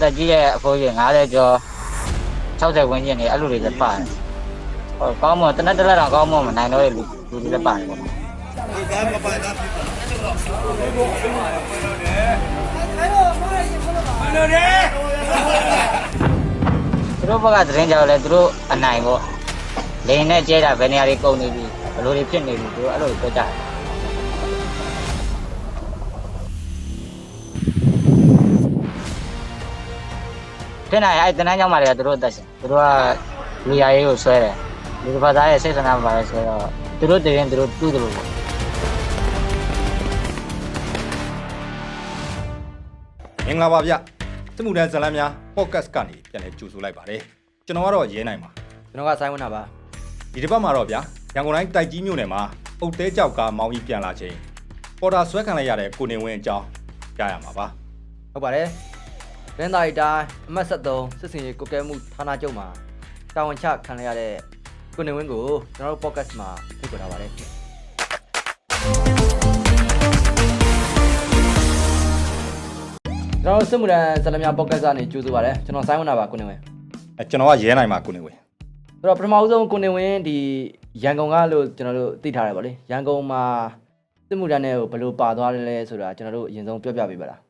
သက်ကြီးရဲ့အဖိုးကြီး50ကျော်60ဝန်းကျင်နေအဲ့လိုတွေလည်းပါတယ်ဟောကောင်းမတနက်တလက်တော့ကောင်းမမနိုင်တော့လူတွေလည်းပါတယ်ပေါ့သူတို့ဘက်ကသတင်းကြောက်လဲသူတို့အနိုင်ပေါ့လိန်နဲ့ကျဲတာဘယ်နေရာတွေကုန်နေပြီဘယ်လိုတွေဖြစ်နေပြီသူတို့အဲ့လိုပြောကြတယ်ဖြစ်နိုင်အဲ့တနန်းကြောင့်မှလည်းသူတို့အသက်ရှင်သူတို့ကလူရရေးကိုဆွဲတယ်လူတစ်ဖက်သားရဲ့စိတ်ဆန္ဒမှာပါလဲဆိုတော့သူတို့တည်ရင်သူတို့တူးတယ်လို့ပေါ့မင်္ဂလာပါဗျစစ်မှုထမ်းဇာတ်လမ်းများ podcast ကနေပြန်လည်ကြိုဆိုလိုက်ပါတယ်ကျွန်တော်ကတော့ရဲနိုင်ပါကျွန်တော်ကဆိုင်းဝန်းတာပါဒီတစ်ပတ်မှာတော့ဗျရန်ကုန်တိုင်းတိုက်ကြီးမြို့နယ်မှာအုတ်တဲကြောက်ကားမောင်းကြီးပြန်လာချိန်ပေါ်တာဆွဲခံလိုက်ရတဲ့ကိုနေဝင်းအကြောင်းကြားရမှာပါဟုတ်ပါတယ်ရင်းသားရီတိုင်းအမှတ်73စစ်စင်ရေးကုကဲမှုဌာနချုပ်မှာတာဝန်ချခံရတဲ့ကိုနေဝင်းကိုကျွန်တော်တို့ podcast မှာဖိတ်ခေါ်ထားပါတယ်ကျွန်တော်စစ်မှုထမ်းဇာတ်လမ်းများ podcast ကနေကြိုဆိုပါတယ်ကျွန်တော်ဆိုင်းဝန်းတာပါကိုနေဝင်းကျွန်တော်ကရဲနိုင်ပါကိုနေဝင်းဆိုတော့ပထမဆုံးကိုနေဝင်းဒီရန်ကုန်ကလို့ကျွန်တော်တို့သိထားတယ်ဗောလေရန်ကုန်မှာစစ်မှုထမ်းတွေကိုဘယ်လိုပါသွားတယ်လဲဆိုတာကျွန်တော်တို့အရင်ဆုံးပြောပြပေးပါလား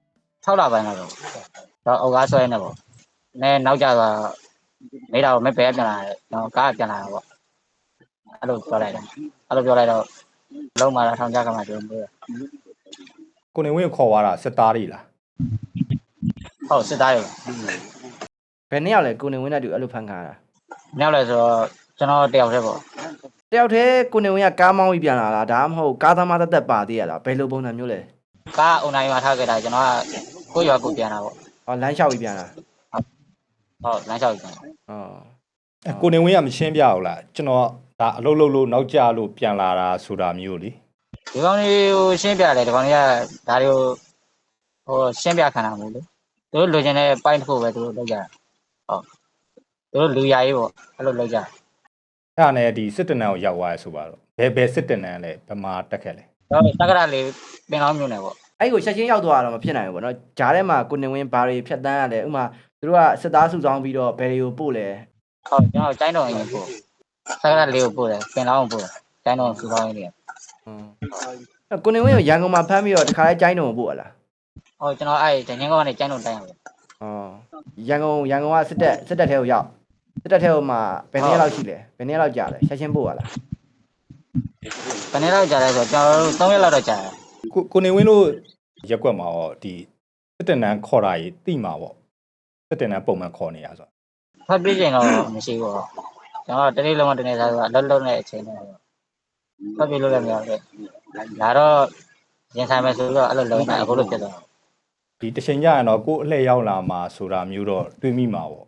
6လပိုင်းတော့အောက်ကားဆွဲနေပေါ့နဲနောက်ကြတော့မိတာကိုမပဲပြန်လာတယ်ကျွန်တော်ကားပြန်လာတာပေါ့အဲ့လိုပြောလိုက်တယ်အဲ့လိုပြောလိုက်တော့လုံးမာတာထောင်ကြကမှကျွန်တော်ပြောတယ်ကိုနေဝင်းကိုခေါ်သွားတာစစ်သားတွေလားဟုတ်စစ်သားတွေဘယ်နှစ်ယောက်လဲကိုနေဝင်းနဲ့တူအဲ့လိုဖန်ခါတာမြောက်လဲဆိုတော့ကျွန်တော်တယောက်တည်းပေါ့တယောက်တည်းကိုနေဝင်းကကားမောင်းပြီးပြန်လာလားဒါမှမဟုတ်ကားသမားတက်တက်ပါသေးရလားဘယ်လိုပုံစံမျိုးလဲကားအွန်လိုင်းမှာထားခဲ့တာကျွန်တော်ကကိုရွာကိုပြန်လာပေါ့ဟောလမ်းလျှောက်ပြီးပြန်လာဟုတ်လမ်းလျှောက်ပြီးပြန်ကိုနေဝင်းကမရှင်းပြဘူးလားကျွန်တော်ဒါအလုပ်လုပ်လို့နောက်ကျလို့ပြန်လာတာဆိုတာမျိုးလေဒီကောင်လေးကိုရှင်းပြတယ်ဒီကောင်လေးကဒါတွေကိုရှင်းပြခံတာမဟုတ်လေသူတို့လိုချင်တဲ့ပိုင်းတစ်ခုပဲသူတို့လုပ်ကြတာဟုတ်သူတို့လူရရေးပေါ့အဲ့လိုလုပ်ကြအဲ့ဒါနဲ့ဒီစစ်တနန်းကိုရောက်သွားရဆိုပါတော့ဘယ်စစ်တနန်းလဲဘယ်မှာတက်ခဲ့လဲတက္ကရာလေးပင်ကောင်းမျိုးနယ်ပေါ့အဲ့ကိုချက်ချင်းရောက်သွားတော့မဖြစ်နိုင်ဘူးပေါ့နော်ဂျားထဲမှာကိုနေဝင်းဘာတွေဖြတ်တန်းရတယ်ဥမာသူတို့ကစစ်သားစုဆောင်းပြီးတော့ဘယ်တွေကိုပို့လဲဟုတ်ကျွန်တော်ကျိုင်းတော်ရင်ပို့တက္ကရာလေးကိုပို့တယ်ပင်လောင်းကိုပို့တယ်ကျိုင်းတော်စုဆောင်းရင်းနေကိုနေဝင်းကိုရန်ကုန်မှာဖမ်းပြီးတော့တခါလဲကျိုင်းတော်ကိုပို့ရလားဟုတ်ကျွန်တော်အဲ့ဒင်းငင်းကောကနေကျိုင်းတော်တိုင်းရတယ်ရန်ကုန်ကစစ်တပ်ထဲကိုရောက်စစ်တပ်ထဲကိုမှဘယ်နည်းလောက်ရှိလဲဘယ်နည်းလောက်ကြာလဲချက်ချင်းပို့ရလားဘယ်နည်းလောက်ကြာလဲဆိုတော့ကျွန်တော်တို့3ရက်လောက်တော့ကြာတယ်ကိုနေဝင်းတို့ရက်ွက်မှာတော့ဒီစစ်တနန်းခေါ်တာကြီးတိမှာပေါ့စစ်တနန်းပုံမှန်ခေါ်နေရဆိုဖတ်ပြည့်ချိန်တော့မရှိဘူးပေါ့ကျွန်တော်တနေ့လုံးမတနေ့စားဆိုတော့လုံးနဲ့အချိန်နဲ့ဖတ်ပြလို့လည်းမရဘူးဒါတော့ရင်ဆိုင်မယ်ဆိုတော့အဲ့လိုလုံးနေအခုလိုဖြစ်သွားဒီတချိန်ကျရင်တော့ကို့အလှည့်ရောက်လာမှာဆိုတာမျိုးတော့တွေးမိမှာပေါ့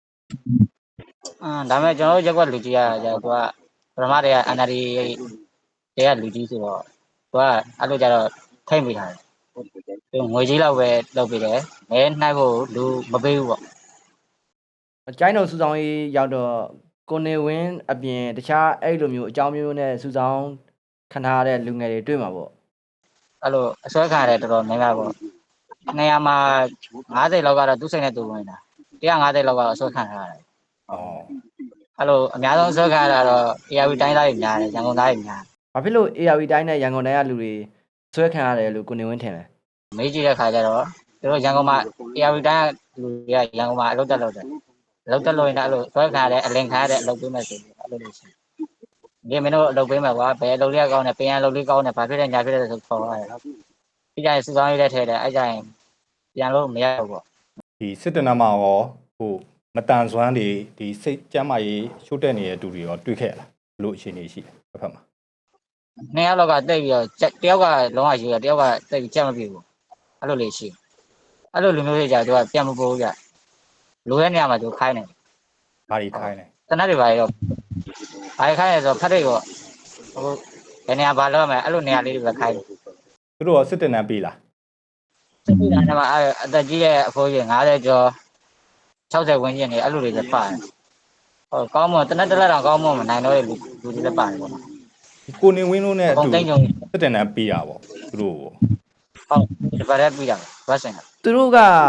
ဒါပေမဲ့ကျွန်တော်တို့ရက်ွက်လူကြီးကသူကပထမတည်းက NRD တွေကလူကြီးဆိုတော့သူကအဲ့လိုကြတော့ထိမ့်မိထားတယ်သူငွေကြီးလောက်ပဲလုပ်ပေးတယ်မဲနှိုက်ဖို့လူမပေးဘူးပေါ့ကျိုင်းတော်စုဆောင်ရေးရောက်တော့ကိုနေဝင်းအပြင်တခြားအဲ့လိုမျိုးအကြောင်းမျိုးနဲ့စုဆောင်ခံထားရတဲ့လူငယ်တွေတွေ့မှာပေါ့အဲ့လိုအစွဲခံရတယ်တော်တော်များများပေါ့နေရာမှာ50လောက်ကတော့သူ့စိတ်နဲ့သူဝင်တာ150လောက်ကတော့အစွဲခံထားရတယ်အဲ့လိုအများဆုံးအစွဲခံရတာတော့ ARV တိုင်းသားတွေများတယ်ရန်ကုန်သားတွေများဘာဖြစ်လို့ ARV တိုင်းနဲ့ရန်ကုန်တိုင်းကလူတွေဆွဲခံရတယ်လို့ကိုနေဝင်းထင်လဲမေးကြည့်တဲ့ခါကျတော့သူတို့ရန်ကုန်မှာ ARV တိုင်းကလူတွေကရန်ကုန်မှာအလုပ်တက်လို့တယ်အလုပ်တက်လို့ရင်လည်းအဲ့လိုဆွဲခံရတယ်အလင်ခံရတဲ့အလုပ်ပေးမယ်ဆိုပြီးအဲ့လိုလို့ရှိရင်ဒီမင်းတို့အလုပ်ပေးမယ်ကွာဘယ်အလုပ်လေးကောင်းတယ်ပြန်အလုပ်လေးကောင်းတယ်ဘာဖြစ်လဲညာဖြစ်လဲဆိုခေါ်ရတယ်ဒီကြရင်စုဆောင်ရေးလက်ထဲတယ်အဲ့ကြရင်ပြန်လို့မရဘူးပေါ့ဒီစစ်တနန်းမှာရောဟိုမတန်စွမ်းတွေဒီစိတ်ကျမ်းမာရေးရှို့တက်နေတဲ့တူတွေရောတွေ့ခဲ့ရလားဘလို့အခြေအနေရှိလဲတစ်ဖက်မှာနှစ်ယောက်လောက်ကတိတ်ပြီးတော့တယောက်ကလုံးဝရှိတယ်တယောက်ကတိတ်ပြီးချက်မပြေဘူးအဲ့လိုလေးရှိအဲ့လိုလူမျိုးတွေကြာသူကပြန်မပိုးဘူးကြလိုတဲ့နေရာမှာသူခိုင်းတယ်ဘာတွေခိုင်းလဲတနက်တွေပါရောဘာခိုင်းလဲဆိုတော့ဖတ်တွေပေါ့ဟိုဘယ်နေရာဘာလုပ်ရမလဲအဲ့လိုနေရာလေးတွေပဲခိုင်းတယ်သူတို့ရောစစ်တနန်းပေးလားစစ်တနန်းမှာအသက်ကြီးရဲ့အဖိုးကြီး50ကျော်60ဝန်းကျင်နေအဲ့လိုတွေလည်းပါတယ်ဟောကောင်းမတနက်တလက်တော့ကောင်းမမနိုင်တော့လူတွေလည်းပါတယ်ပေါ့ကိုနေဝင်းတို့နဲ့အတူစစ်တနန်းပေးတာပေါ့သူတို့ဟုတ်ဒီဘာလဲပြီးတာဘတ်စင်သူတို့က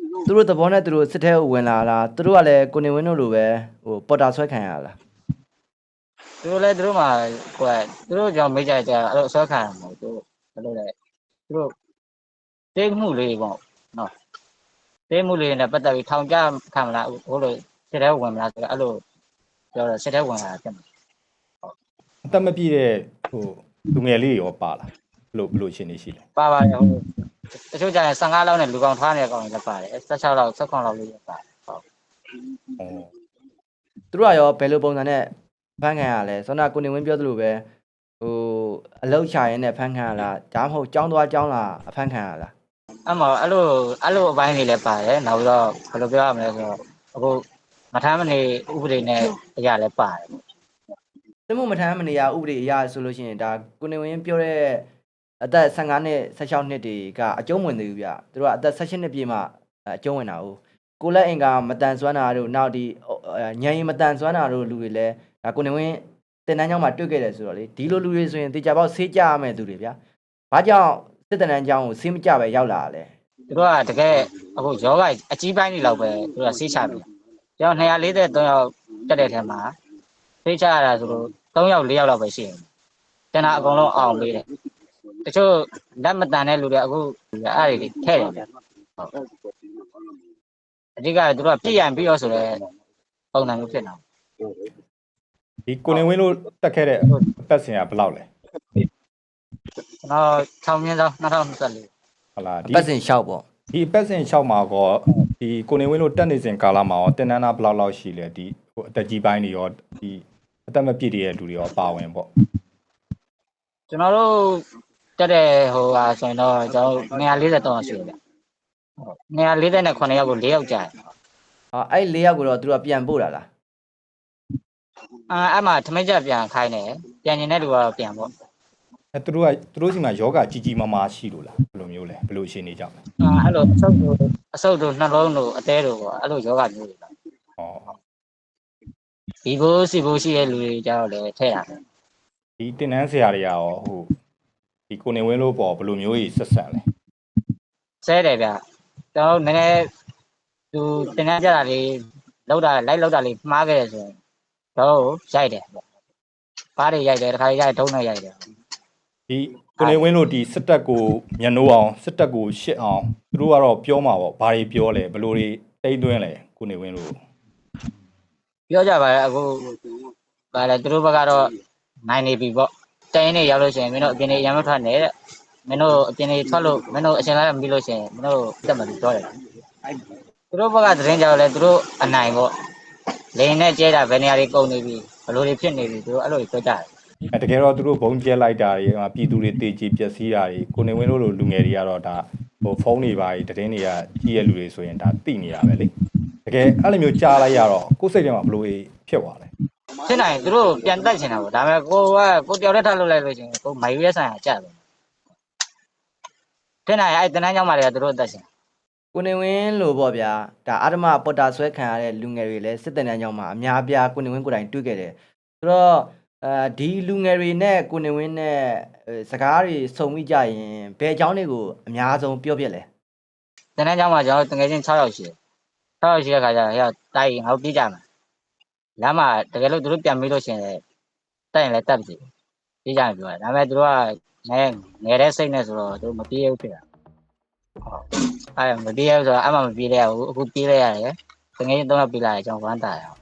သူတို့သဘောနဲ့သူတို့စစ်ထဲကိုဝင်လာလားသူတို့ကလည်းကိုနေဝင်းတို့လိုပဲဟိုပေါ်တာဆွဲခံရလားသူတို့လည်းသူတို့မှာဟိုသူတို့ကြောင့်မေးကြကြအဲ့လိုဆွဲခံရမှာသူတို့ဘယ်လိုလဲသူတို့တိတ်မှုလေးပေါ့နော်တိတ်မှုလေးနဲ့ပတ်သက်ပြီးထောင်ကြခံမလားဟိုလိုစစ်ထဲဝင်မလားဆိုတော့အဲ့လိုပြောတော့စစ်ထဲဝင်လာတယ်အသက်မပြည့်တဲ့ဟိုလူငယ်လေးရောပါလားဘလို့ရှင်းနေရှိလဲပါပါတယ်ဟိုတချို့ကြရင်15လောက်နဲ့လူကောင်ထားနေတဲ့ကောင်တွေလည်းပါတယ်16လောက်16လောက်လေးလည်းပါတယ်ဟုတ်ဩသူတို့ကရောဘယ်လိုပုံစံနဲ့ဖမ်းခံရလဲဆောနာကိုနေဝင်းပြောသလိုပဲဟိုအလောက်ချရင်းနဲ့ဖမ်းခံရလားဒါမှမဟုတ်ចောင်းသွားចောင်းလာအဖမ်းခံရလားအဲ့မှာအဲ့လိုအပိုင်းတွေလည်းပါတယ်နောက်ပြီးတော့ဘယ်လိုပြောရမလဲဆိုတော့အခုမထမ်းမနေဥပဒေနဲ့အရာလည်းပါတယ်စစ်မှုမထမ်းမနေရဥပဒေအရဆိုလို့ရှိရင်ဒါကိုနေဝင်းပြောတဲ့အသက်15နှစ်16နှစ်တွေကအကျုံးဝင်သေးဘူးဗျသူတို့ကအသက်18နှစ်ပြည့်မှအကျုံးဝင်တာဟုတ်ကိုလက်အင်ကမတန်ဆွမ်းတာတို့နောက်ဒီညံရင်မတန်ဆွမ်းတာတို့လူတွေလည်းဒါကိုနေဝင်းတင်တန်းကျောင်းမှာတွေ့ခဲ့တယ်ဆိုတော့လေဒီလိုလူတွေဆိုရင်တေချာပေါက်ဆေးကြရမယ်သူတွေဗျဘာကြောင့်စစ်တင်တန်းကျောင်းကိုဆေးမကြပဲရောက်လာတယ်သူတို့ကတကယ်အခုယောဂအကြီးပိုင်းတွေလောက်ပဲသူတို့ကဆေးချပြီကျွန်တော်243ယောက်တက်တဲ့ထဲမှာဆေးချရတာဆိုလို့3ယောက်4ယောက်လောက်ပဲရှိတယ်ကျန်တာအကုန်လုံးအောင်ပေးတယ်တချို့လက်မတန်တဲ့လူတွေအခုအဲ့ဒီထဲ့တယ်ဗျအဓိကသူတို့ကပြည့်ရန်ပြီးတော့ဆိုတော့ပုံစံမျိုးဖြစ်နေတာဒီကိုနေဝင်းတို့တက်ခဲ့တဲ့အပတ်စဉ်ကဘယ်လောက်လဲကျွန်တော်6မြင်းဆောင်2024 ဟုတ်လားဒီပတ်စဉ်လျှောက်ပေါ့ဒီအပတ်စဉ်6မှာကောဒီကိုနေဝင်းတို့တက်နေစဉ်ကာလမှာရောတင်နန်းသားဘယ်လောက်ရှိလဲဒီဟိုအသက်ကြီးပိုင်းတွေရောဒီအသက်မပြည့်တဲ့လူတွေရောပါဝင်ပေါ့ကျွန်တော်တို့တက်တဲ့ဟိုဟာဆိုရင်တော့ကျွန်တော်243ရှိတယ်ဗျ249ယောက်ကို4ယောက်ကြာတယ်အဲ့4ယောက်ကိုတော့သူတို့ကပြန်ပို့တာလားအဲ့မှာထမင်းချက်ပြန်ခိုင်းတယ်ပြန်ကျင်တဲ့လူကတော့ပြန်ပေါ့အဲသူတို့စီမှာယောဂကြီးကြီးမားမားရှိလို့လားဘယ်လိုမျိုးလဲဘယ်လိုရှင်းနေကြမလဲအဲ့လိုအဆုပ်တို့နှလုံးတို့အသေးတို့ပေါ့အဲ့လိုယောဂမျိုးတွေပါဟောဒီဘိုးစီဘိုးရှိတဲ့လူတွေကြတော့လည်းထဲ့တာပဲဒီတင်နန်းဆရာတွေကရောဟိုဒီကိုနေဝင်းလို့ပေါ့ဘယ်လိုမျိုးကြီးဆက်ဆံလဲဆဲတယ်ဗျကျွန်တော်နည်းနည်းသူတင်တန်းကြတာလေးလောက်တာလိုက်လောက်တာလေးမှားခဲ့တယ်ဆိုရင်တော့ရိုက်တယ်ပေါ့ဘားတွေရိုက်တယ်တစ်ခါရိုက်ထုံးနဲ့ရိုက်တယ်ဒီကိုနေဝင်းတို့ဒီစစ်တပ်ကိုမျက်နှိုးအောင်စစ်တပ်ကိုရှစ်အောင်သူတို့ကတော့ပြောမှာပေါ့ဘာတွေပြောလဲဘယ်လိုတွေတိတ်သွင်းလဲကိုနေဝင်းတို့ပြောကြပါလေအခုဗါလေသူတို့ဘက်ကတော့နိုင်နေပြီပေါ့တိုင်းနေရောက်လို့ရှိရင်မင်းတို့အပြင်နေရမ်းမထွက်နဲ့တဲ့မင်းတို့အပြင်နေထွက်လို့မင်းတို့အရှင်လာမပြီးလို့ရှိရင်မင်းတို့တက်မှာပြောတယ်သူတို့ဘက်ကသတင်းကြောက်လဲသူတို့အနိုင်ပေါ့လိန်နဲ့ကျဲတာဘယ်နေရာတွေကုန်နေပြီဘယ်လိုတွေဖြစ်နေပြီသူတို့အဲ့လိုပြောကြတယ်တကယ်တော့သူတို့ဘုံကျဲလိုက်တာတွေပြည်သူတွေတေချီပျက်စီးတာတွေကိုနေဝင်းတို့လိုလူငယ်တွေကတော့ဒါဟိုဖုန်းတွေပါသတင်းတွေကကြီးရဲ့လူတွေဆိုရင်ဒါသိနေရပဲလေတကယ်အဲ့လိုမျိုးကြားလိုက်ရတော့ကိုယ်စိတ်ထဲမှာဘလို့ဖြစ်သွားလဲဖြစ်နိုင်သူတို့ပြန်တက်ချင်တာပေါ့ဒါပေမဲ့ကိုတယောက်တည်းထားလို့လိုက်လို့ရှိရင်ကိုမိုင်ရဲဆိုင်ရာကြတယ်ဖြစ်နိုင်အဲ့တန်းချောင်းမှာတွေကသူတို့တက်ချင်ကိုနေဝင်းလို့ပေါ့ဗျာဒါအာဓမပေါ်တာဆွဲခံရတဲ့လူငယ်တွေလည်းစစ်တမ်းတန်းကျောင်းမှာအများပြားကိုနေဝင်းကိုယ်တိုင်တွေ့ခဲ့တယ်ဆိုတော့ဒီလူငယ်တွေနဲ့ကိုနေဝင်းနဲ့စကားတွေစုံမိကြရင်ဘယ်အကြောင်းတွေကိုအများဆုံးပြောပြလဲတန်းချောင်းမှာကျွန်တော်တကယ်ချင်း6ယောက်ရှိတယ်6ယောက်ရှိတဲ့ခါကျတော့ဟဲ့တိုက်ငါတို့ပြေးကြမှာလမ်းမှာတကယ်လို့သူတို့ပြန်ပြီးလို့ရှိရင်တိုက်ရင်လည်းတက်ပြီပြေးကြမှာပြောတယ်ဒါပေမဲ့သူတို့ကငယ်တဲ့စိတ်နဲ့ဆိုတော့သူမပြေးဘူးဖြစ်တာအဲ့မပြေးဘူးဆိုတော့အမှမပြေးလဲဘူးအခုပြေးလဲရတယ်တကယ်ချင်း3ယောက်ပြေးလာတယ်ကျွန်တော်ဝမ်းတာရအောင်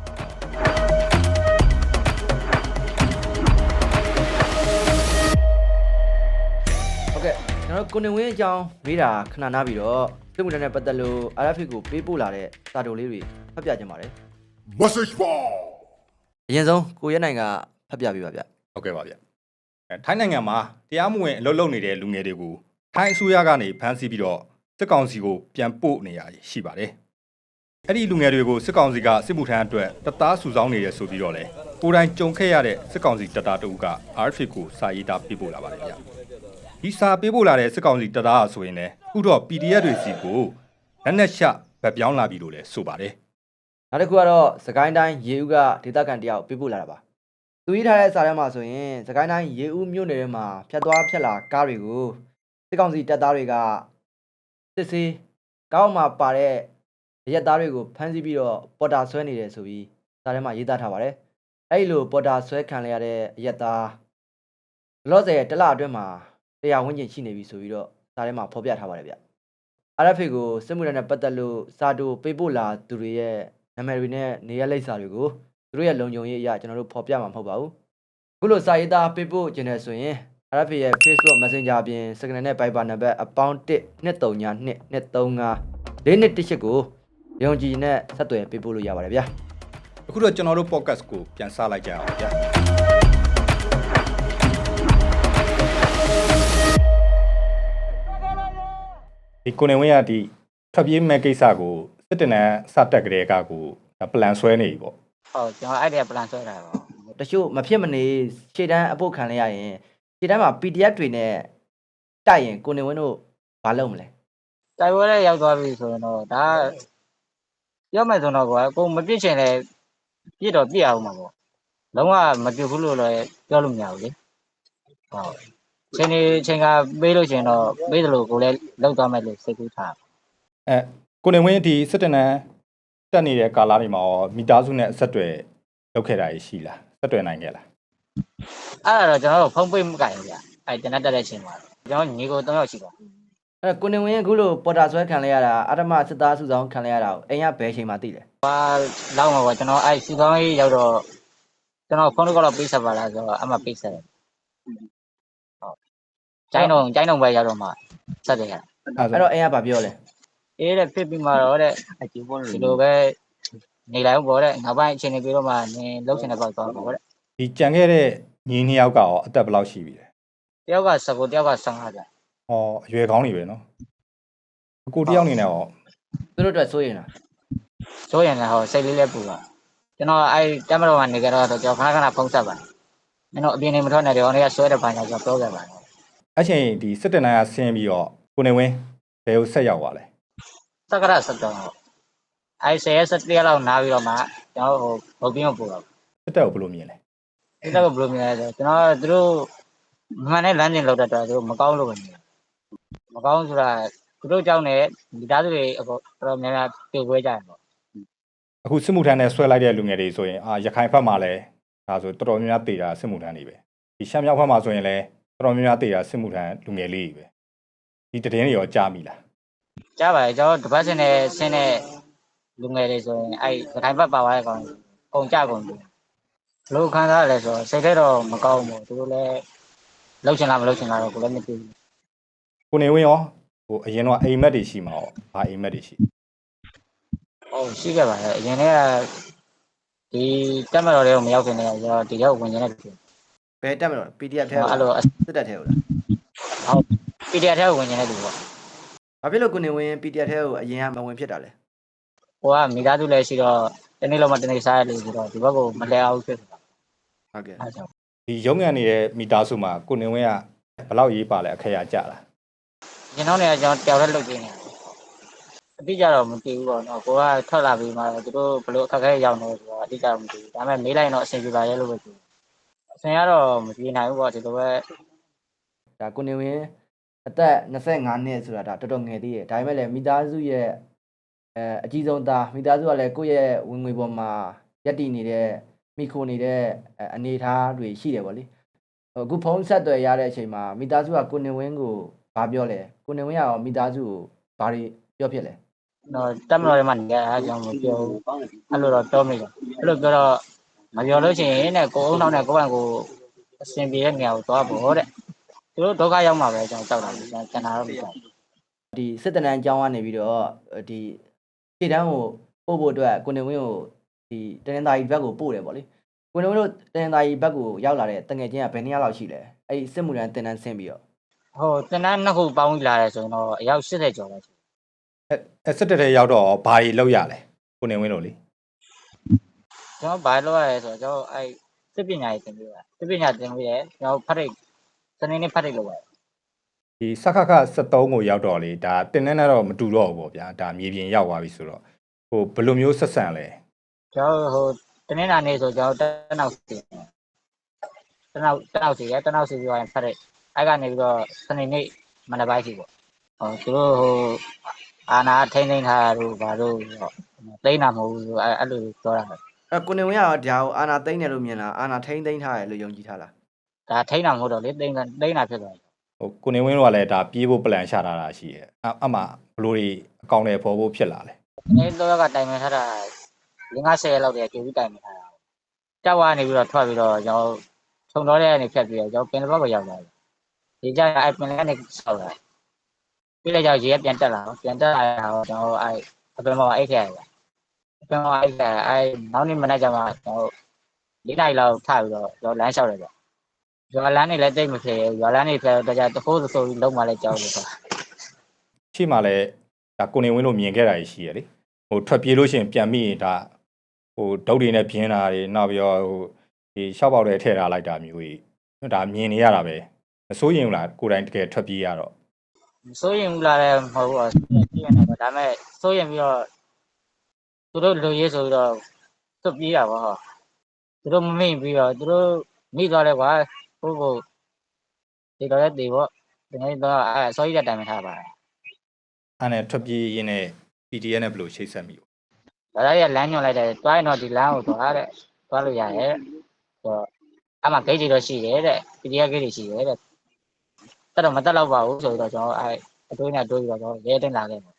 ဟုတ်ကဲ့ကျွန်တော်ကိုနေဝင်းအကြောင်းမေးတာခဏနားပြီးတော့စစ်မှုထမ်းနဲ့ပတ်သက်လို့ RFA ကိုပေးပို့လာတဲ့စာတိုလေးတွေဖတ်ပြခြင်းပါတယ် Message ball. အရင်ဆုံးကိုရဲနိုင်ကဖတ်ပြပေးပါဗျဟုတ်ကဲ့ပါဗျထိုင်းနိုင်ငံမှာတရားမဝင်အလုပ်လုပ်နေတဲ့လူငယ်တွေကိုထိုင်းအစိုးရကနေဖမ်းဆီးပြီးတော့စစ်ကောင်စီကိုပြန်ပို့နေရရှိပါတယ်အဲ့ဒီလူငယ်တွေကိုစစ်ကောင်စီကစစ်မှုထမ်းအတွက်တပ်သားစုဆောင်းနေရဆိုပြီးတော့လေကိုယ်တိုင်ကြုံခဲ့ရတဲ့စစ်ကောင်စီတပ်သားတို့က RFA ကိုစာရေးသားပေးပို့လာပါတယ်ဗျဒီစာပေးပို့လာတဲ့စစ်ကောင်စီတပ်သားဆိုရင်လည်းအခုတော့ PDF တွေစီကိုလက်နက်ရှဗတ်ပြောင်းလာပြီလို့လည်းဆိုပါတယ်နောက်တစ်ခုကတော့စကိုင်းတိုင်းရေဦးကဒေသခံတယောက်ပေးပို့လာတာပါသူရေးထားတဲ့စာထဲမှာဆိုရင်စကိုင်းတိုင်းရေဦးမြို့နယ်ထဲမှာဖြတ်သွားဖြတ်လာကားတွေကိုစစ်ကောင်စီတပ်သားတွေကစစ်ဆေးကောက်မှာပါတဲ့ရက်သားတွေကိုဖမ်းဆီးပြီးတော့ပေါ်တာဆွဲနေတယ်ဆိုပြီးစာထဲမှာရေးသားထားပါတယ်အဲ့လိုပေါ်တာဆွဲခံရတဲ့ရက်သားလော့ဆယ်တလအတွင်းမှာတရားဝင်ကျင်ရှိနေပြီဆိုပြီးတော့စာထဲမှာဖော်ပြထားပါတယ်ဗျ RFA ကိုစစ်မှုထမ်းနဲ့ပတ်သက်လို့စာတူပေးပို့လာသူတွေရဲ့နာမည်တွေနဲ့နေရာလိပ်စာတွေကိုသူတို့ရဲ့လုံခြုံရေးအရာကျွန်တော်တို့ဖော်ပြမှာမဟုတ်ပါဘူးအခုလိုစာရေးသားပေးပို့ခြင်းနဲ့ဆိုရင် RFA ရဲ့ Facebook Messenger အပြင် Signal နဲ့ Viber နံပါတ်12392235418ကိုရုံကြည်နဲ့ဆက်သွယ်ပေးပို့လို့ရပါတယ်ဗျာအခုတော့ကျွန်တော်တို့ podcast ကိုပြန်စလိုက်ကြအောင်ဗျာဒီကိုနေဝင်းကဒီထွက်ပြေးမဲ့ကိစ္စကိုစစ်တနန်းစတက်ကြတဲ့ကကိုပလန်ဆွဲနေပြီပေါ့ဟုတ်ကျွန်တော်အဲ့ဒီပလန်ဆွဲတာပါတချို့မဖြစ်မနေခြေတန်းအပုတ်ခံလိုက်ရရင်ခြေတန်းမှာ PDF တွေနဲ့တိုက်ရင်ကိုနေဝင်းတို့ဘာလုပ်မလဲတိုက်ပွဲလည်းရောက်သွားပြီဆိုရင်တော့ဒါရောက်မယ်ဆိုတော့ကိုမပြစ်ချင်လည်းပြစ်တော့ပြစ်အောင်မှာပေါ့လုံးဝမပြစ်ဘူးလို့လည်းပြောလို့မရဘူးလေဟုတ်ချိန်ကပေးလို့ရှိရင်တော့ပေးတယ်လို့ကိုလည်းလောက်သွားမယ်လို့စိတ်ကူးထားကိုနေဝင်းဒီစစ်တနန်းတက်နေတဲ့ကာလတွေမှာရောမိသားစုနဲ့အဆက်အသွယ်လုပ်ခဲ့တာရှိလားဆက်သွယ်နိုင်ခဲ့လားအဲ့ဒါတော့ကျွန်တော်တို့ဖုန်းပေးမကြဘူးဗျအဲ့တနက်တက်တဲ့ချိန်မှာကျွန်တော်ညီကို3ယောက်ရှိပါအဲ့ကိုနေဝင်းအခုလိုပေါ်တာဆွဲခံလိုက်ရတာအဓမ္မစစ်သားစုဆောင်ခံလိုက်ရတာကိုအိမ်ကဘယ်ချိန်မှသိလဲလောက်မှာပေါ့ကျွန်တော်အဲ့စီကောင်းကြီးရောက်တော့ကျွန်တော်ဖုန်းကတော့ပေးဆက်ပါလားဆိုတော့အမှပေးဆက်တယ်ဟုတ်ကျိုင်းတော့ပဲရောက်တော့မှဆက်တယ်ရအဲ့တော့အိမ်ကဘာပြောလဲအေးတဲ့ဖြစ်ပြီးမှတော့တဲ့အကျိုးပေါ်လို့ဒီလိုပဲနေလိုက်ပေါ့တဲ့နောက်ပိုင်းအချိန်နေပြီးတော့မှနင်လှုပ်ရှင်တဲ့ပေါ့သွားပေါ့တဲ့ဒီကြံခဲ့တဲ့ညီနှစ်ယောက်ကရောအသက်ဘယ်လောက်ရှိပြီလဲတယောက်က19တယောက်က15ကြာဟောအရွယ်ကောင်းနေပဲနော်အကိုတယောက်နေနဲ့ရောသူတို့အတွက်စိုးရင်လားဆိုရင်လည်းဟောစိတ်လေးလည်းပူပါကျွန်တော်အဲ့တက်မတော်ကနေကြတော့ကျွန်တော်ခဏဖုန်းဆက်ပါကျွန်တော်အပြင်နေမထွက်နဲ့တော့နေကဆွဲတဲ့ပိုင်းကကျွန်တော်ပြောခဲ့ပါတယ်အဲ့ချိန်ဒီစစ်တနန်းကဆင်းပြီးတော့ကိုနေဝင်းဘယ်ကိုဆက်ရောက်သွားလဲစက္ကရ7တော့အဲ့10ရက်လောက်နားပြီးတော့မှကျွန်တော်ဟိုဘုတ်ပြင်းကိုပို့တော့စစ်တပ်ကိုဘယ်လိုမြင်လဲဒီတော့ဘယ်လိုမြင်လဲဆိုကျွန်တော်သူတို့မှန်တဲ့လမ်းစဉ်လောက်တတ်တော့သူတို့မကောင်းလို့ပဲမြင်မကောင်းဆိုတာသူတို့ကြောင့်လည်းမိသားစုတွေအပေါ်တော်များများပြေခွဲကြတယ်ပေါ့အခုစစ်မှုထမ်းနဲ့ဆွဲလိုက်တဲ့လူငယ်တွေဆိုရင်ရခိုင်ဘက်မှာလည်းဒါဆိုတော်တော်များများတေတာစစ်မှုထမ်းတွေပဲဒီရှမ်းမြောက်ဘက်မှာဆိုရင်လည်းတော်တော်များများတေတာစစ်မှုထမ်းလူငယ်လေးတွေပဲဒီတည်င်းတွေရောကြားမိလားကြားပါတယ်ကျွန်တော်တပတ်စင်နဲ့ဆင်းတဲ့လူငယ်တွေဆိုရင်အဲ့ဒီခိုင်ဘက်ပါသွားတဲ့ကောင်ကုန်ကြကုန်တယ်ဘလို့ခံစားရလဲဆိုတော့စိတ်ထဲတော့မကောင်းဘူးသူတို့လည်းလှုပ်ချင်လားမလှုပ်ချင်လားတော့ကိုလည်းမသိဘူးကိုနေဝင်းရောဟိုအရင်တော့အိမ်မက်တွေရှိမှာရောဘာအိမ်မက်တွေရှိဟုတ်ရှိခဲ့ပါတယ်အရင်ကဒီတက်မတော်တွေကိုမရောက်ခင်တည်းကကျွန်တော်ဒီရောက်ဝင်နေတဲ့လူဘယ်တက်မလို့ PDF ထဲအဲ့လိုစစ်တပ်ထဲကိုလားဟုတ် PDF ထဲဝင်နေတဲ့လူပေါ့ဘာဖြစ်လို့ကိုနေဝင်း PDF ထဲကိုအရင်ကမဝင်ဖြစ်တာလဲဟိုကမိသားစုလည်းရှိတော့တနေ့လောက်မှတနေ့စားရလို့ဆိုတော့ဒီဘက်ကိုမလဲအောင်ဖြစ်တာဟုတ်ကဲ့အဲ့ဒါဒီရုံးငံနေတဲ့မိသားစုမှာကိုနေဝင်းကဘယ်လောက်ရေးပါလဲအခက်ရကြလားကျွန်တော်เนี่ยကျွန်တော်တယောက်တည်းလုပ်နေတယ်အတိအကျတော့မသိဘူးပေါ့နော်ကိုကထွက်လာပြီးမှသူတို့ဘလို့အခက်အခဲရောက်နေဆိုတော့အတိအကျတော့မသိဘူးဒါပေမဲ့မေးလိုက်တော့အဆင်ပြေပါရဲ့လို့ပဲပြောအဆင်ကတော့မပြေနိုင်ဘူးပေါ့ဒီလိုပဲဒါကိုနေဝင်းအသက်25နှစ်ဆိုတာဒါတော်တော်ငယ်သေးတယ်ဒါပေမဲ့လည်းမိသားစုရဲ့အကြီးဆုံးသားမိသားစုကလည်းကိုယ့်ရဲ့ဝင်ငွေပေါ်မှာရက်တည်နေတဲ့မိခိုနေတဲ့အနေအထားတွေရှိတယ်ဗောလေအခုဖုန်းဆက်သွယ်ရတဲ့အချိန်မှာမိသားစုကကိုနေဝင်းကိုဘာပြောလဲကိုနေဝင်းကရောမိသားစုကိုဘာတွေပြောဖြစ်လဲတော့တက်မတော်တွေမှနေရာကျွန်တော်မပြောဘူးအဲ့လိုတော့တောမိတယ်အဲ့လိုပြောတော့မပြောလို့ရှိရင်တဲ့ကိုအုံနောက်နဲ့ကိုယ့်ဘက်ကိုအဆင်ပြေတဲ့နေရာကိုသွားဖို့တဲ့သူတို့ဒုက္ခရောက်မှာပဲကျွန်တော်ကြောက်တာကျွန်တော်တော့မကြောက်ဒီစစ်တနန်းအကြောင်းကနေပြီးတော့ဒီခြေတန်းကိုပို့ဖို့အတွက်ကိုနေဝင်းကိုဒီတနင်္သာရီဘက်ကိုပို့တယ်ဗောလေကိုနေဝင်းတို့တနင်္သာရီဘက်ကိုရောက်လာတဲ့တငယ်ချင်းကဘယ်နှစ်ယောက်လောက်ရှိလဲအဲ့ဒီစစ်မှုထမ်းတင်တန်းဆင်းပြီးတော့ဟိုတနန်းနှစ်ခုပေါင်းပြီးလာတယ်ဆိုရင်တော့အယောက်80ကျော်ပဲအဲစစ်တပ်ထဲရောက်တော့ဘာတွေလောက်ရလဲကိုနေဝင်းတို့လေကျွန်တော်ဘာလုပ်ရလဲဆိုတော့ကျွန်တော်အဲ့စစ်ပညာရေးသင်ပေးတာစစ်ပညာသင်ပေးတယ်ကျွန်တော်ဖတ်ရိတ်စနေနေ့ဖတ်ရိတ်လုပ်ရတယ်ဒီစခခ73ကိုရောက်တော့လေဒါတင်နေတော့မတူတော့ဘူးပေါ့ဗျာဒါမြေပြင်ရောက်သွားပြီဆိုတော့ဟိုဘယ်လိုမျိုးဆက်ဆံလဲကျွန်တော်ဟိုတနင်္လာနေ့ဆိုကျွန်တော်တနောက်စီရတနောက်စီပြီးရင်ဖတ်ရိတ်အဲ့ကနေပြီးတော့စနေနေ့မနက်ပိုင်းစီပေါ့ဟိုသူတို့ဟိုအာနာထိန်းသိမ်းထားလို့ဘာလို့သိမ်းတာမဟုတ်ဘူးအဲ့လိုပြောတာကိုနေဝင်းကဒါကိုအာနာသိမ့်တယ်လို့မြင်လားအာနာထိမ့်သိမ့်ထားတယ်လို့ယုံကြည်ထားလားဒါထိန်းတာမဟုတ်တော့လေသိမ်းတာဖြစ်သွားတယ်ဟိုကိုနေဝင်းတို့ကလည်းဒါပြေးဖို့ပလန်ချထားတာရှိရဲ့အမှဘလို့တွေအကောင့်တွေပေါ်ဖို့ဖြစ်လာလဲဒီနေ့တော့ကတိုင်ပင်ထားတာ50ရက်လောက်တည်းကြိုပြီးတိုင်ပင်ထားတာကြောက်ဝါနေပြီးတော့ထွက်ပြီးတော့ကျွန်တော်ခြုံတော့တဲ့အနေဖြတ်ပြီးတော့ကျွန်တော်ပင်တော့ကိုရောက်လာတယ်ဒီကြအဲ့ပင်လည်းနေဆောက်လာပြီးလည်းကြောက်ရေပြန်တက်လာပြန်တက်လာတော့ကျွန်တော်အဲ့အပင်ပေါ်အိတ်ခဲ့ရတယ်အပင်ပေါ်အိတ်ခဲ့အဲ့နောက်နေ့မနေ့ကျမှကျွန်တော်၄နိုင်လောက်ထပြီးတော့ကျွန်တော်လမ်းလျှောက်တယ်ဗျရွာလမ်းနေလည်းတိတ်မဖြစ်ရွာလမ်းနေဖြစ်တော့ကြတဖိုးဆိုပြီးလုံးမလဲကြောက်လို့ဆိုတာရှိမှလည်းဒါကိုနေဝင်းတို့မြင်ခဲ့တာရှိရဲ့လေဟိုထွက်ပြေးလို့ရှိရင်ပြန်မိရင်ဒါဟိုဒုတ်တွေနဲ့ပြင်းတာတွေနောက်ပြီးတော့ဟိုဒီရှောက်ပေါက်တွေထည့်ထားလိုက်တာမျိုးကြီးဒါမြင်နေရတာပဲမစိုးရင်ဘူးလားကိုယ်တိုင်တကယ်ထွက်ပြေးရတော့စိုးရင်လာတယ်မဟုတ်ဘူးစိုးရင်နေတော့ဒါပေမဲ့စိုးရင်ပြီးတော့သူတို့လူရေးဆိုပြီးတော့သွတ်ပြေးတာပေါ့ဟောသူတို့မမိပြီးတော့သူတို့မိသွားတယ်ကွာဟုတ်ဒီတော့လည်းဒီပေါ့ဒီနေ့တော့အဲစိုးရတဲ့တိုင်မှထားပါတယ်အဲ့နဲ့ထွက်ပြေးရင်းနဲ့ PDF နဲ့ဘယ်လိုချိတ်ဆက်မိဘူးဒါလည်းရလမ်းညွှန်လိုက်တယ်တွားရင်တော့ဒီလမ်းကိုသွားတဲ့သွားလို့ရတယ်ဆိုတော့အမှဂိတ်တွေတော့ရှိတယ်တဲ့ PDF ဂိတ်တွေရှိတယ်တဲ့တက်တော့မတက်တော့ပါဘူးဆိုတော့ကျွန်တော်အဲအတွေးနဲ့တွေးပြီးတော့ကျွန်တော်ရဲတင်လာခဲ့တယ်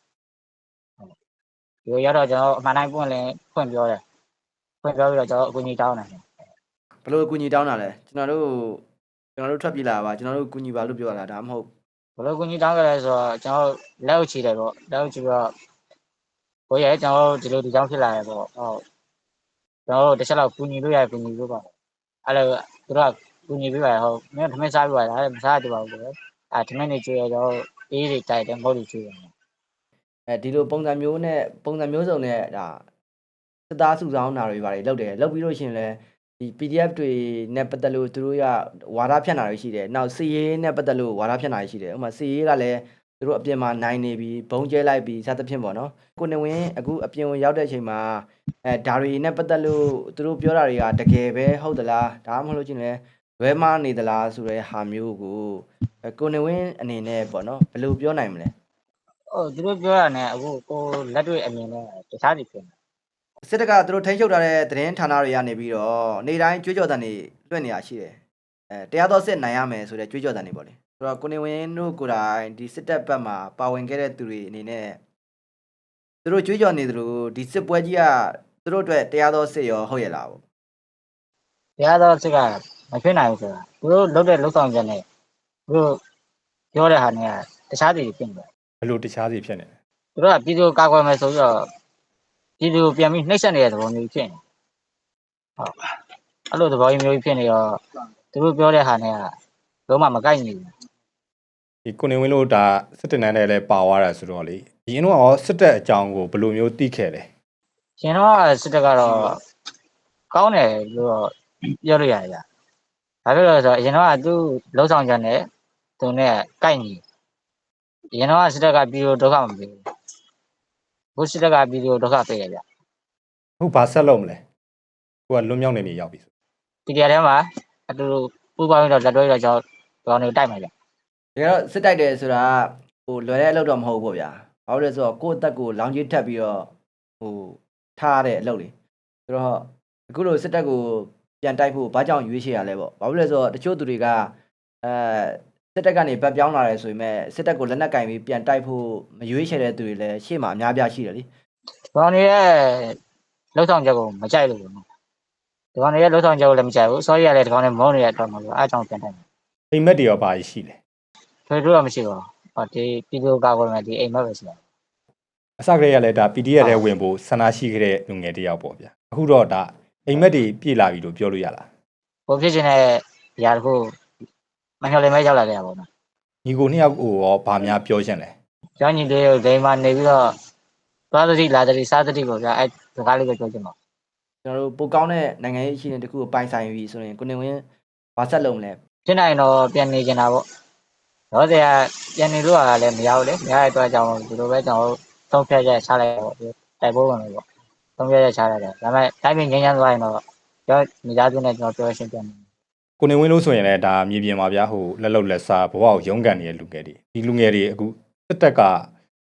ဒီရတော့ကျွန်တော်အမှန်တိုင်းပွင့်ပြောတယ်ဖွင့်ပြောပြီးတော့ကျွန်တော်အကူကြီးတောင်းတယ်ဘလို့အကူညီတောင်းတာလဲကျွန်တော်တို့ထွက်ပြေးလာပါကျွန်တော်တို့ကူညီပါလို့ပြောတာဒါမှမဟုတ်ဘယ်လိုကူညီတောင်းကြလဲဆိုတော့ကျွန်တော်လက်ဥချီတယ်ပေါ့လက်ဥချီတော့ဘိုးရဲကျွန်တော်ဒီလိုဒီကြောင်းဖြစ်လာတယ်ပေါ့ဟုတ်ကျွန်တော်တစ်ချက်လောက်ကူညီလို့ရကူညီလို့ပါအဲ့လိုသူတို့ကကူညီပေးပါဟုတ်မင်းထမင်းစားပြပါလားမစားကြပါဘူးလေအဲထမင်းနေကျွေးရတော့အေးတွေတိုက်တယ်မဟုတ်လို့ကျွေးတယ်ဒီလိုပုံစံမျိုးစုံနဲ့ဒါစသားစုဆောင်းတာတွေပါတယ်လုပ်တယ်လုပ်ပြီးလို့ရှိရင်လည်းဒီ PDF တွေနဲ့ပတ်သက်လို့သူတို့ကဝါဒဖြန့်တာတွေရှိတယ်နောက်စီရေးနဲ့ပတ်သက်လို့ဝါဒဖြန့်တာတွေရှိတယ်ဥပမာစီရေးကလည်းသူတို့အပြင်မှာနိုင်နေပြီးဘုံကျဲလိုက်ပြီးစသဖြင့်ပေါ့နော်ကိုနေဝင်းအခုအပြင်ဝင်ရောက်တဲ့အချိန်မှာဒါတွေနဲ့ပတ်သက်လို့သူတို့ပြောတာတွေကတကယ်ပဲဟုတ်သလားဒါမှမဟုတ်လို့ချင်းလဲလွဲမနေသလားဆိုတဲ့ဟာမျိုးကိုကိုနေဝင်းအနေနဲ့ပေါ့နော်ဘယ်လိုပြောနိုင်မလဲဟုတ်သူတို့ပြောတာ ਨੇ အခုကိုလက်တွေ့အမြင်နဲ့တခြားစီဖြစ်နေစစ်တပ်ကသူတို့ထိန်းချုပ်ထားတဲ့သတင်းဌာနတွေကနေပြီးတော့နေ့တိုင်းကြွေးကြော်တန်တွေလွှင့်နေရရှိတယ်တရားတော်စစ်နိုင်ရမယ်ဆိုတဲ့ကြွေးကြော်တန်တွေပေါ့လေဆိုတော့ကိုနေဝင်းတို့ကိုယ်တိုင်ဒီစစ်တပ်ဘက်မှာပါဝင်ခဲ့တဲ့သူတွေအနေနဲ့သူတို့ကြွေးကြော်နေသလိုဒီစစ်ပွဲကြီးကသူတို့အတွက်တရားတော်စစ်ရောဟုတ်ရဲ့လားပေါ့တရားတော်စစ်ကမဖြစ်နိုင်ဘူးဆိုတာသူတို့လုပ်တဲ့လုပ်ဆောင်ချက်နဲ့သူတို့ပြောတဲ့ဟာ ਨੇ တခြားစီဖြစ်နေတယ်ဘယ်လိုတခြားစီဖြစ်နေလဲသူတို့ကပြည်သူကာကွယ်မယ်ဆိုပြီးတော့ပြည်သူပြန်ပြီးနှိမ့်ဆက်နေတဲ့သဘောမျိုးဖြစ်နေဟုတ်အဲ့လိုသဘောမျိုးဖြစ်နေတော့သူတို့ပြောတဲ့ဟာ ਨੇ လုံးဝမကိုက်ညီဘူးဒီကိုနေဝင်းတို့ဒါစစ်တပ်နဲ့လည်းပါသွားတာဆိုတော့လေဒီရင်တော့ရောစစ်တပ်အကြောင်းကိုဘယ်လိုမျိုးသိခဲ့လဲရှင်တော့စစ်တပ်ကတော့ကောင်းတယ်လို့တော့ပြောလို့ရတယ်ဗျ။ဘာဖြစ်လို့လဲဆိုတော့အရင်တော့သူ့လုံဆောင်ချက်နဲ့သူနဲ့ကိုက်ညီအရင်တော့စစ်တပ်ကပြည်သူဒုက္ခမပေးဘူး။ဘုစစ်တပ်ကပြည်သူဒုက္ခပေးတယ်ဗျအခုဘာဆက်လုပ်မလဲကိုကလွတ်မြောက်နေနေရောက်ပြီဆို။ဒီတရားထဲမှာအတူတူပူပေါင်းပြီးတော့လက်တွဲပြီးတော့ကျွန်တော်တို့တိုက်မှာဗျတကယ်တော့စစ်တိုက်တယ်ဆိုတာဟိုလွယ်တဲ့အလုပ်တော့မဟုတ်ဘူးပေါ့ဗျာဘာလို့လဲဆိုတော့ကိုယ့်အသက်ကိုလောင်ကြီးထပ်ပြီးတော့ဟိုထားရတဲ့အလုပ်လေဆိုတော့အခုလိုစစ်တပ်ကိုပြန်တိုက်ဖို့ဘာကြောင့်ရွေးချယ်ရလဲပေါ့ဘာလို့လဲဆိုတော့တချို့သူတွေကစစ်တပ်ကနေဗတ်ပြောင်းလာတယ်ဆိုပေမဲ့စစ်တပ်ကိုလက်နက်ကင်ပြီးပြန်တိုက်ဖို့မရွေးချယ်တဲ့သူတွေလည်းရှေ့မှာအများပြားရှိတယ်လေ။ကျွန်တော်တို့ရဲ့လုံဆောင်ချက်ကိုမကြိုက်လို့ပေါ့နော်။ဒီကောင်တွေရဲ့လုံဆောင်ချက်ကိုလည်းမကြိုက်ဘူး။ sorry ရတယ်ဒီကောင်တွေမုန်းနေတဲ့အတွက်မလို့အားကြောင့်ပြန်တိုက်မှာအိမ်မက်တွေရောဘာရှိလဲ။ထွေထူးတော့မရှိပါဘူး။ဟောဒီပြည်သူကာကွယ်မယ်ဒီအိမ်မက်ပဲရှိတယ်အစကတည်းကလည်းဒါ PDF ထဲဝင်ဖို့ဆန္ဒရှိခဲ့တဲ့လူငယ်တယောက်ပေါ့ဗျာအခုတော့ဒါအိမ်မက်တွေပြေလာပြီလို့ပြောလို့ရလား။ကိုဖြစ်ခြင်းတဲ့ຢာတခုမညှော်လင့်မဲရောက်လာခဲ့တာပေါ့နော်ညီကိုနှစ်ယောက်ကိုရောဘာများပြောချင်လဲ။ကျောင်းကြီးလေးကိုဒိမ်မှာနေပြီးတော့သွားသတိလာသတိစားသတိကိုဗျာအဲစကားလေးကိုပြောချင်ပါကျွန်တော်တို့ပိုကောင်းတဲ့နိုင်ငံရေးအခြေအနေတစ်ခုကိုပိုင်ဆိုင်ပြီဆိုရင်ကိုနေဝင်းဘာဆက်လုပ်မလဲ။ဖြစ်နိုင်တော့ပြန်နေချင်တာပေါ့။တော့တရားပြန်နေလို့လည်းမရဘူးလေ။မရတဲ့အတွက်ကြောင့်ဒီလိုပဲကျွန်တော်သုံးဖြတ်ချက်ချလိုက်တော့တိုက်ပွဲဝင်လို့ပေါ့။သုံးဖြတ်ချက်ချလိုက်တယ်။ဒါပေမဲ့တိုင်းပြည်ငြိမ်းချမ်းသွားရင်တော့ကျွန်တော်မိသားစုနဲ့ကျွန်တော်ပြောရှင်းပြန်တယ်ကိုနေဝင်းလို့ဆိုရင်လည်းဒါမြေပြင်မှာဗျာဟိုလက်လုံလက်စားဘဝကိုရုန်းကန်နေတဲ့လူငယ်တွေဒီလူငယ်တွေအခုစစ်တပ်ကဟ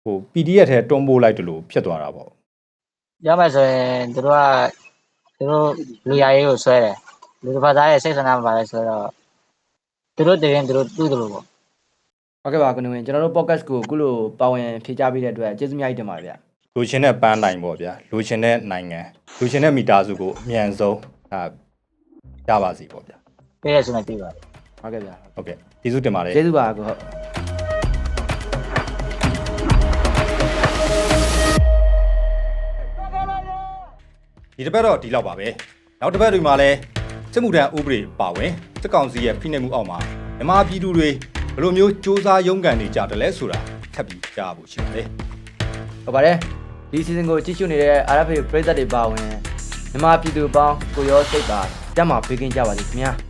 ဟို PDF ထဲတွန်းပို့လိုက်တယ်လို့ဖြစ်သွားတာပေါ့ပြောမယ်ဆိုရင်သူတို့လူရရေးကိုဆွဲတယ်လူတစ်ဖက်သားရဲ့စိတ်ဆန္ဒမပါလဲဆိုတော့သူတို့တည်ရင်သူတို့တူးတယ်လို့ပေါ့ဟုတ်ကဲ့ပါကိုနေဝင်ကျွန်တော်တို့ podcast ကိုအခုလိုပါဝင်ဖြေကြားပေးတဲ့အတွက်ကျေးဇူးများကြီးတင်ပါတယ်ဗျလိုချင်တဲ့ပန်းနိုင်ပေါ့ဗျာလိုချင်တဲ့နိုင်ငံလိုချင်တဲ့မိသားစုကိုအမြန်ဆုံးရပါစီပေါ့ဗျာပြည့်ရဆိုနေပြီပါဟုတ်ကဲ့ဗျဟုတ်ကဲ့ကျေးဇူးတင်ပါတယ်ကျေးဇူးပါကိုဟုတ်ဒီတစ်ပတ်တော့ဒီလောက်ပါပဲနောက်တစ်ပတ်တွေမှာလည်းစစ်မှုထမ်းဥပဒေပါဝင်စစ်ကောင်စီရဲ့ဖိနှိပ်မှုအောက်မှာမြန်မာပြည်သူတွေဘယ်လိုမျိုးစ조사ရုန်းကန်နေကြတယ်လဲဆိုတာထပ်ပြီးကြားဖို့ရှိပါတယ်ဟုတ်ပါတယ်ဒီ season ကိုကြည့်ရှုနေတဲ့ RFA ပရိသတ်တွေပါဝင်မြန်မာပြည်သူပေါင်းကိုရောစိတ်ပါတက်မှာပေးကင်းကြပါစေခင်ဗျာ